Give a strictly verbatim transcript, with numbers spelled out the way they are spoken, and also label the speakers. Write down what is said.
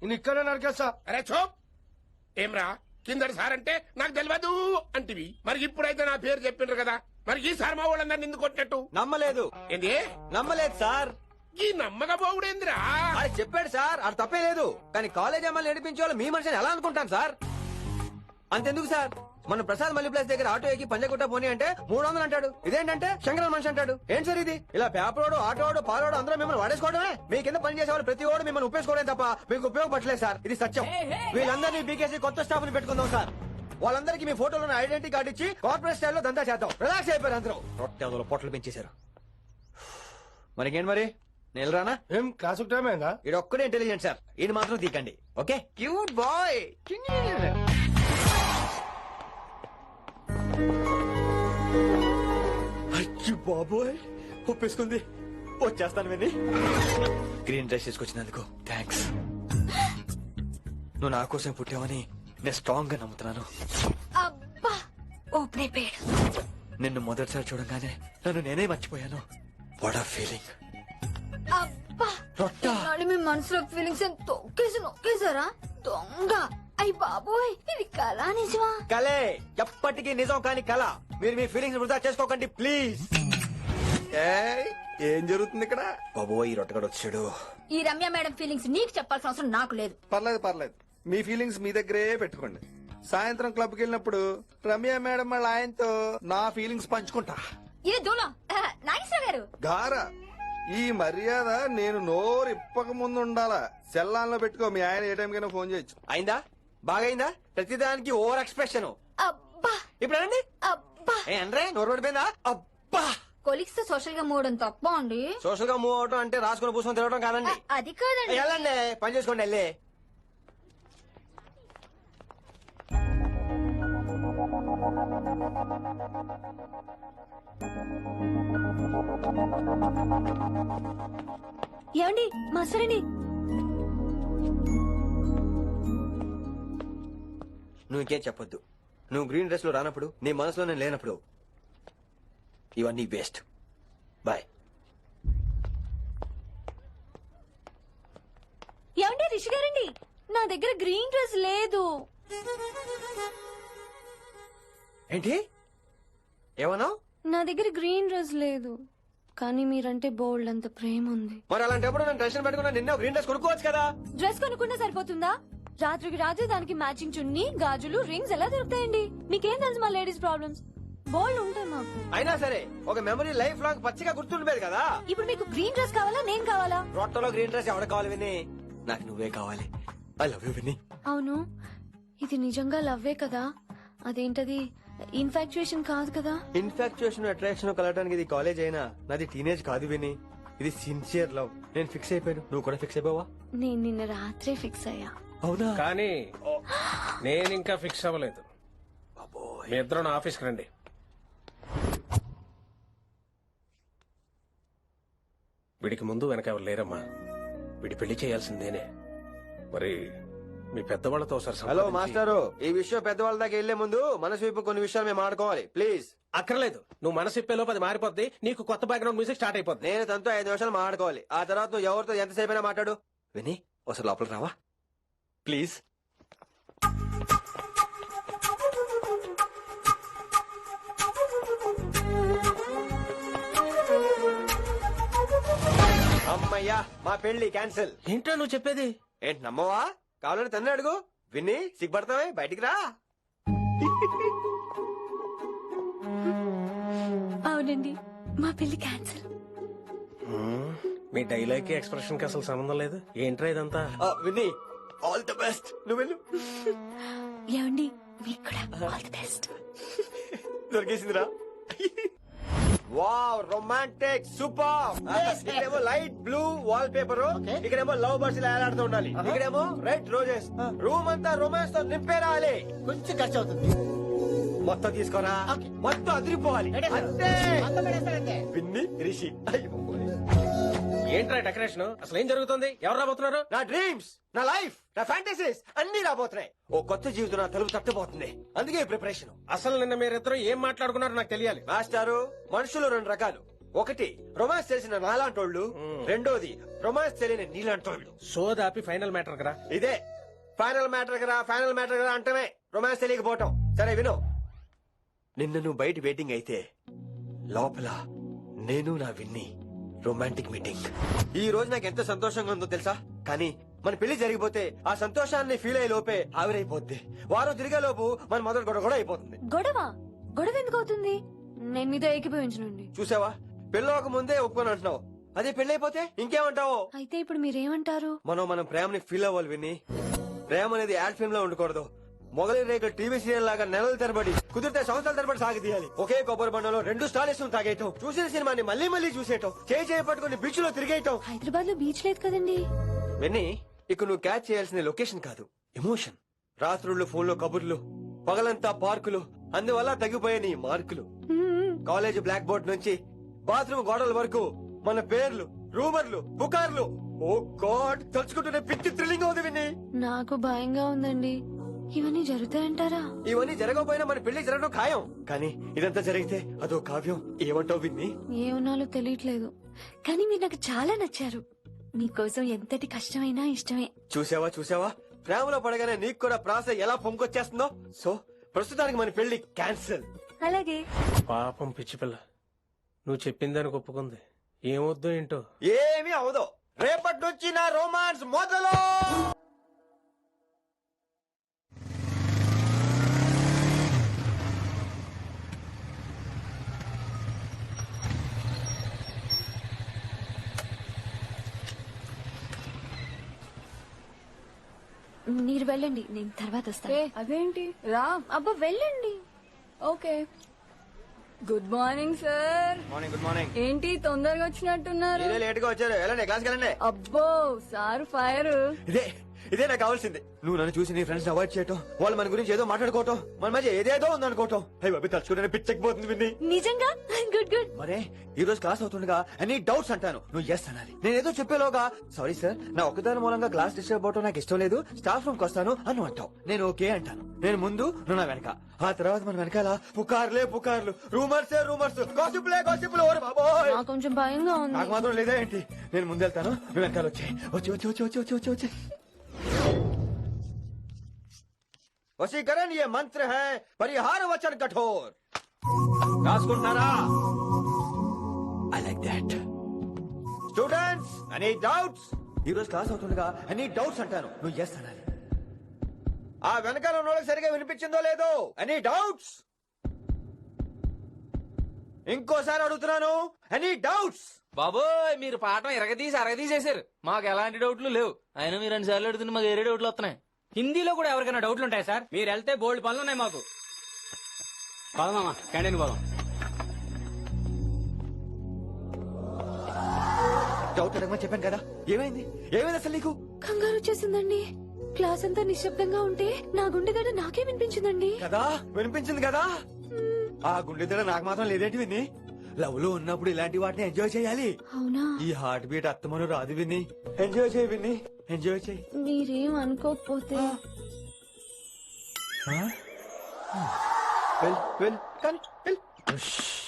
Speaker 1: నేను ఇక్కడే నరికేస్తా.
Speaker 2: అరే చూప్ ఏమ్రా కిందటి సార్ అంటే నాకు తెలియదు అంటివి మరి ఇప్పుడైతే నా పేరు చెప్పిండ్రు కదా మరి ఈ సార్ మా వాళ్ళందరినీ ఎందుకు కొట్టినట్టు
Speaker 3: నమ్మలేదు
Speaker 2: ఏంది
Speaker 3: నమ్మలేదు సార్.
Speaker 2: ఈ నమ్మకపోవుడేందిరా
Speaker 3: అది చెప్పాడు సార్, అది తప్పే లేదు. కానీ కాలేజ్ అమ్మాయిలు నడిపించే వాళ్ళు మీ మనిషిని ఎలా అనుకుంటాను సార్? అంతెందుకు సార్, మన ప్రసాద్ మల్లి ప్లేస్ దగ్గర ఆటో ఎక్కి పంజగుట్ట పోనీ అంటే మూడు వందలు అంటాడు. ఇదేంటంటే శంకరన్ మనిషి అంటాడు. ఏంటి సార్ ఇది? ఇలా పేపరోడు ఆటోడు పాలోడు అందరూ మిమ్మల్ని వాడేసుకోవడమే. మీ కింద పని చేసే వాళ్ళు ప్రతి ఓడు మిమ్మల్ని ఉపయోగించుకోవడం తప్ప మీకు ఉపయోగపడలేదు సార్. ఇది సత్యం. వీళ్ళందరినీ బీకేసి కొత్త స్టాఫ్ ని పెట్టుకుందాం సార్. వాళ్ళందరికీ మీ ఫోటోలో ఐడెంటిటీ కార్డు ఇచ్చి కార్పొరేట్ స్టైల్లో దందా చేద్దాం. రిలాక్స్ అయిపోయారు అందరూ. రొట్టె పొట్టలు పెంచేశారు. మరికేంటి మరి నేను రానా?
Speaker 1: ఏం క్లాస్ టైం అయిందా?
Speaker 3: ఇది ఒక్కడే ఇంటెలిజెంట్ సార్, ఇది మాత్రం తీకండి. Okay cute boy. అచ్చి బాబోయ్ ఒప్పేసుకుంది. వచ్చేస్తాను విని. గ్రీన్ డ్రెస్ తీసుకొచ్చినందుకు థ్యాంక్స్. నువ్వు నా కోసం పుట్టావని నేను స్ట్రాంగ్ గా నమ్ముతున్నాను.
Speaker 4: అబ్బా ఓపెన్ అయిపోయాడు.
Speaker 3: నిన్ను మొదటిసారి చూడగానే నన్ను నేనే మర్చిపోయాను. వాట్ ఆ ఫీలింగ్.
Speaker 4: అబ్బా
Speaker 3: రొట్టా
Speaker 4: నాడు మీ మనసులో ఫీలింగ్స్ తొక్కేసి నొక్కేసారా దొంగ. అయ్యి బాబోయ్ ఇది కళ నిజమా?
Speaker 3: కలే, ఎప్పటికీ నిజం కాని కళ. మీరు మీ ఫీలింగ్స్ వృధా చేసుకోకండి ప్లీజ్.
Speaker 5: ఏం జరుగుతుంది ఇక్కడ?
Speaker 3: బాబోయ్ ఈ రొట్టగడు వచ్చాడు.
Speaker 4: ఈ రమ్య మేడం ఫీలింగ్స్ నీకు చెప్పాల్సిన అవసరం నాకు లేదు.
Speaker 5: పర్లేదు పర్లేదు, మీ ఫీలింగ్స్ మీ దగ్గరే పెట్టుకోండి. సాయంత్రం క్లబ్ కి వెళ్ళినప్పుడు రమ్య మేడం వాళ్ళ ఆయనతో నా ఫీలింగ్స్ పంచుకుంటా.
Speaker 4: ఇది దూలం నాగేశ్వర గారు.
Speaker 5: గారా ఈ మర్యాద నేను నోరు ఇప్పక ముందు ఉండాలా. సెల్లాన్లో పెట్టుకో, మీ ఆయన ఏ టైం కైనా ఫోన్ చేయొచ్చు.
Speaker 3: అయిందా? బాగైందా? ప్రతిదానికి ఓవర్ ఎక్స్ప్రెషన్.
Speaker 4: అబ్బా
Speaker 3: ఇప్పుడు అనండి.
Speaker 4: అబ్బా
Speaker 3: ఏ అంటే నోరు పడిపోయిందా? అబ్బా
Speaker 4: కొలిక్స్ తో సోషల్ గా మూవడం తప్ప అండి.
Speaker 3: సోషల్ గా మూవ్ అవడం అంటే రాసుకుని పూసుకొని తిరగడం కాదండి.
Speaker 4: అది కాదండి.
Speaker 3: వెళ్ళండి పని చేసుకోండి వెళ్ళి.
Speaker 4: ఏమండి మాస్టరండి.
Speaker 3: నువ్వు ఇంకేం చెప్పొద్దు. నువ్వు గ్రీన్ డ్రెస్ లో రానప్పుడు, నీ మనసులో నేను లేనప్పుడు ఇవన్నీ వేస్ట్. బాయ్.
Speaker 4: ఏమండి రిషి గారండి, నా దగ్గర గ్రీన్ డ్రెస్ లేదు.
Speaker 3: ఏంటి ఏమన్నా?
Speaker 6: నా దగ్గర గ్రీన్ డ్రెస్ లేదు, కానీ మీరంటే బోల్డ్ అంత ప్రేమ ఉంది.
Speaker 3: మరి అలాంటప్పుడు నేను టెన్షన్ పెట్టుకున్నా నిన్న గ్రీన్ డ్రెస్ కొనుక్కోవచ్చు కదా.
Speaker 6: డ్రెస్ కొనుక్కున్నా సరిపోతుందా? రాత్రికి రాత్రి దానికి మ్యాచింగ్ చున్నీ, గాజులు, రింగ్స్ ఎలా దొరుకుతాయండి? మీకేం తెలుసు మా లేడీస్ ప్రాబ్లమ్స్? బోల్డ్ ఉంటాయి మాకు.
Speaker 3: అయినా సరే ఒక మెమరీ లైఫ్ లాంగ్ పచ్చిగా గుర్తుండిపోయేది కదా.
Speaker 6: ఇప్పుడు మీకు గ్రీన్ డ్రెస్ కావాలా నేను కావాలా?
Speaker 3: రొట్టలో గ్రీన్ డ్రెస్ ఎవడ కావాలి విని? నాకు నువ్వే కావాలి. ఐ లవ్ యూ విని.
Speaker 6: అవును, ఇది నిజంగా లవ్వే కదా? అదేంటది ఇన్ఫాక్చుయేషన్ కాదు కదా?
Speaker 3: ఇన్ఫాక్చుయేషన్ అట్రాక్షన్ కలగడానికి ఇది కాలేజ్ అయినా నాది టీనేజ్ కాదు విని. ఇది సిన్సియర్ లవ్. నేను ఫిక్స్ అయిపోయాను, నువ్వు కూడా ఫిక్స్ అయిపోవా?
Speaker 6: నేను నిన్న రాత్రే ఫిక్స్ అయ్యా.
Speaker 3: అవునా?
Speaker 2: కానీ నేను ఇంకా ఫిక్స్ అవ్వలేదు. మీ ఇద్దరు నా ఆఫీస్కి రండి. వీడికి ముందు వెనక ఎవరు లేరమ్మా. వీడి పెళ్లి చేయాల్సిందేనే. మరి మీ పెద్దవాళ్ళతో ఒకసారి
Speaker 3: హలో
Speaker 2: సంప్రదించి-
Speaker 3: మాస్టారు, ఈ విషయం పెద్దవాళ్ళ దాకా వెళ్లే ముందు మనసు వైపు కొన్ని విషయాలు మేము ఆడుకోవాలి ప్లీజ్.
Speaker 2: అక్కర్లేదు, నువ్వు మనసు ఇప్పేలోపు అది మారిపోద్ది. నీకు కొత్త బ్యాక్గ్రౌండ్ మ్యూజిక్ స్టార్ట్ అయిపోద్ది.
Speaker 3: నేను తనతో ఐదు నిమిషాలు మాట్లాడుకోవాలి. ఆ తర్వాత నువ్వు ఎవరితో ఎంతసేపు అయినా మాట్లాడు. విని ఒకసారి లోపలికి రావా ప్లీజ్. అమ్మయ్యా మా పెళ్లి క్యాన్సిల్.
Speaker 2: ఏంటో నువ్వు చెప్పేది?
Speaker 3: ఏంటి నమ్మవా? కావాలని తన్నే అడుగు. విన్ని సిగ్గుపడతావే, బయటికి రా.
Speaker 6: అవునండి, మా పెళ్లి క్యాన్సిల్.
Speaker 2: మీ డైలాగ్ కి ఎక్స్ప్రెషన్ కి అసలు సంబంధం లేదు. ఏంట్రా ఇదంతా?
Speaker 3: విన్ని ఆల్ ది బెస్ట్. నువ్వు వెళ్ళు.
Speaker 6: ఏమండి మీకు కూడా ఆల్ ది బెస్ట్.
Speaker 3: దొరికేసిందిరా. Wow romantic super. ఇక్కడేమో లైట్ బ్లూ వాల్ పేపర్, ఇక్కడేమో లవ్ బర్డ్స్ ఇలా ఏలాడుతూ ఉండాలి, ఇక్కడేమో రెడ్ రోజెస్. రూమ్ అంతా రొమాన్స్ తో నింపే రావాలి.
Speaker 7: కొంచెం ఖర్చు అవుతుంది.
Speaker 3: మొత్తం తీసుకోరా, మొత్తం అదిరిపోవాలి అంతే. పిన్ని రిషి.
Speaker 2: ఏంట్రా డెకరేషన్? అసలు ఏం జరుగుతుంది? ఎవరు రాబోతున్నారు?
Speaker 3: నా డ్రీమ్స్, నా లైఫ్, నా ఫ్యాంటసీస్ అన్ని రాబోతున్నాయి. ఓ కొత్త జీవితం నా తలుపు తట్టబోతుంది. అందుకే ప్రిపరేషన్.
Speaker 2: అసలు నిన్న మీరిద్దరు ఏం మాట్లాడుకున్నారో నాకు తెలియాలి.
Speaker 3: మాస్టారు, మనుషులు రెండు రకాలు, ఒకటి రొమాన్స్ తెలిసిన నాలాంటోళ్ళు, రెండోది రొమాన్స్ తెలియని నీలాంటోళ్ళు.
Speaker 1: సోదాపి ఫైనల్ మ్యాటర్ కదా.
Speaker 3: ఇదే ఫైనల్ మ్యాటర్ కదా, ఫైనల్ మ్యాటర్ కదా అంటమే రొమాన్స్ తెలియకపోవటం. సరే విను, నిన్న నువ్వు బయట వెయిటింగ్ అయితే లోపల నేను నా విన్ని రొమాంటిక్ మీటింగ్. ఈ రోజు నాకు ఎంత సంతోషంగా ఉందో తెలుసా, కానీ మన పెళ్లి జరిగిపోతే ఆ సంతోషాన్ని ఫీల్ అయ్యే లోపే ఆవిరైపోద్ది. వారం తిరిగే లోపు మన మొదటి గొడవ కూడా అయిపోతుంది.
Speaker 6: గొడవ గొడవ ఎందుకు అవుతుంది? నేను మీతో ఏకీభవించనండి.
Speaker 3: చూసావా, పెళ్ళవక ముందే ఒప్పుకొని అంటున్నావు, అదే పెళ్లి అయిపోతే ఇంకేమంటావు?
Speaker 6: అయితే ఇప్పుడు మీరేమంటారు?
Speaker 3: మనం మనం ప్రేమని ఫీల్ అవ్వాలి విని. ప్రేమ అనేది యాడ్ ఫిల్మ్ లో ఉండకూడదు. మొగలి రేకులు టీవీ సీరియల్ లాగా నెలల తరబడి, కుదిరితే సంవత్సరాల తరబడి సాగి తీయాలి. ఒకే కొబ్బరి బండలో రెండు స్టాలిస్ తాగేయటం, చూసిన సినిమాని మళ్ళీ మళ్ళీ చూసేయటం, చేయి చేయి పట్టుకుని బీచ్ లో తిరిగేయటం.
Speaker 6: హైదరాబాద్ లో బీచ్ లేదు కదండి.
Speaker 3: విన్ని, ఇక నువ్వు క్యాచ్ చేయాల్సిన లొకేషన్ కాదు, ఎమోషన్. రాత్రుళ్ళు ఫోన్ లో కబుర్లు, పగలంతా పార్కులు, అందువల్ల తగ్గిపోయే నీ మార్కులు.
Speaker 6: మ్మ్.
Speaker 3: కాలేజ్ బ్లాక్ బోర్డ్ నుంచి బాత్రూమ్ గోడల వరకు మన పేర్లు, రూమర్లు, పుకార్లు. ఓ గాడ్, తలుచుకుంటూనే పిచ్చి థ్రిల్లింగ్ అవుతుంది విన్ని.
Speaker 6: నాకు భయంగా ఉందండి. ఇవన్నీ జరుగుతాయంటారా?
Speaker 3: ఇవన్నీ జరగకపోయినా మన పెళ్లి జరగడం ఖాయం. కానీ ఇదంతా జరిగితే అదో కావ్యం. ఏమంటావు విన్ని?
Speaker 6: ఏమన్నాలో తెలియట్లేదు, కానీ మీరు నాకు చాలా నచ్చారు. మీకోసం ఎంతటి కష్టమైనా ఇష్టమే.
Speaker 3: చూసావా చూసావా, ప్రేమలో పడగానే నీకు కూడా ప్రాస ఎలా పొంగొచ్చేస్తుందో. సో ప్రస్తుతానికి మన పెళ్లి క్యాన్సిల్.
Speaker 6: అలాగే.
Speaker 1: పాపం పిచ్చి పిల్ల, నువ్వు చెప్పిందని ఒప్పుకుంది. ఏమొద్దో ఏంటో.
Speaker 3: ఏమీ అవదో, రేపటి నుంచి నా రోమాన్స్ మొదలు.
Speaker 6: మీరు వెళ్ళండి, నేను తర్వాత వస్తాను.
Speaker 4: అదేంటి రా.
Speaker 6: అబ్బా వెళ్ళండి.
Speaker 4: Okay. Good morning sir.
Speaker 3: Morning. Good morning.
Speaker 4: ఏంటి తొందరగా వచ్చినట్టున్నారు?
Speaker 3: మీరే లేట్ గా వచ్చారు. వెళ్ళండి, క్లాస్కి వెళ్ళండి.
Speaker 4: అబ్బో సార్ ఫైర్.
Speaker 3: ఇదే ఇదే నాకు కావాల్సింది. నువ్వు నన్ను చూసి నీ ఫ్రెండ్స్ అవాయిడ్ చేయటం, వాళ్ళు మన గురించి ఏదో మాట్లాడుకోవటం, మన మధ్య ఏదేదో ఉందనుకోవటం. అయ్యి బాబీ, తలుచుకుంటే పిచ్చకపోతుంది విన్ని.
Speaker 6: నిజంగా గుడ్ గుడ్.
Speaker 3: మరే ఈ రోజు క్లాస్ అవుతుండగా ఎనీ డౌట్స్ అంటాను, నువ్వు ఎస్ అనాలి. నేను ఏదో చెప్పేలోగా సారీ సార్, నా ఒక్కదాని మూలంగా క్లాస్ డిస్టర్బ్ అవటం నాకు ఇష్టం లేదు, స్టాఫ్ రూమ్ కి వస్తాను అని అంటావు. నేను ఓకే అంటాను. నేను ముందు, నువ్వు నా వెనక. ఆ తర్వాత మన వెనకాల పుకార్లే పుకార్లు, రూమర్సే రూమర్స్, గాసిప్లే గాసిప్లు. ఓరే బాబోయ్,
Speaker 6: నాకు కొంచెం భయంగా ఉంది.
Speaker 3: నాకు మాత్రం లేదా ఏంటి? నేను ముందెళ్తాను, నువ్వు వెనకాల వచ్చి వచ్చి వచ్చి వచ్చి వచ్చి వచ్చి వచ్చి వచ్చి వశీకరణ ये मंत्र है, परिहार वचन कठोर. రాసుకుంటున్నారా? I like that. Students, any doubts? ఈ రోజు క్లాస్ అవుతుండగా ఎనీ డౌట్స్ అంటాను, నువ్వు ఎస్ అనాలి. ఆ వెనకాల ఉన్న వాళ్ళకి సరిగా వినిపించిందో లేదో? Any doubts? ఇంకోసారి అడుగుతున్నాను, ఎనీ డౌట్స్?
Speaker 7: బాబోయ్, మీరు పాఠం ఎరగదీసి అరగదీసేశారు. మాకు ఎలాంటి డౌట్లు లేవు. అయినా మీరు రెండు సార్లు అడుగుతుంటే మాకు వేరే డౌట్లు వస్తున్నాయి.
Speaker 8: హిందీలో కూడా ఎవరికైనా డౌట్లు ఉంటాయి సార్? మీరు వెళ్తే బోల్డ్ పనులు ఉన్నాయి మాకు. పోదామా క్యాంటీన్ పోదాం.
Speaker 3: డౌట్ అడగమని చెప్పాను కదా, ఏమైంది? ఏమైంది అసలు నీకు?
Speaker 6: కంగారు వచ్చేసిందండి. క్లాస్ అంతా నిశ్శబ్దంగా ఉంటే నా గుండె దడ నాకే వినిపించిందండి.
Speaker 3: కదా వినిపించింది కదా. ఆ గుండె దడ నాకు మాత్రం లేదేంటి విన్ని? లవ్ లో ఉన్నప్పుడు ఇలాంటి వాటిని ఎంజాయ్ చేయాలి.
Speaker 6: అవునా?
Speaker 3: ఈ హార్ట్ బీట్ అత్తమను రాదు విన్ని. ఎంజాయ్ చేయి విన్ని, ఎంజాయ్ చేయి.
Speaker 6: మీరేం అనుకోకపోతే.
Speaker 3: వెల్ వెల్ కానీ వెల్.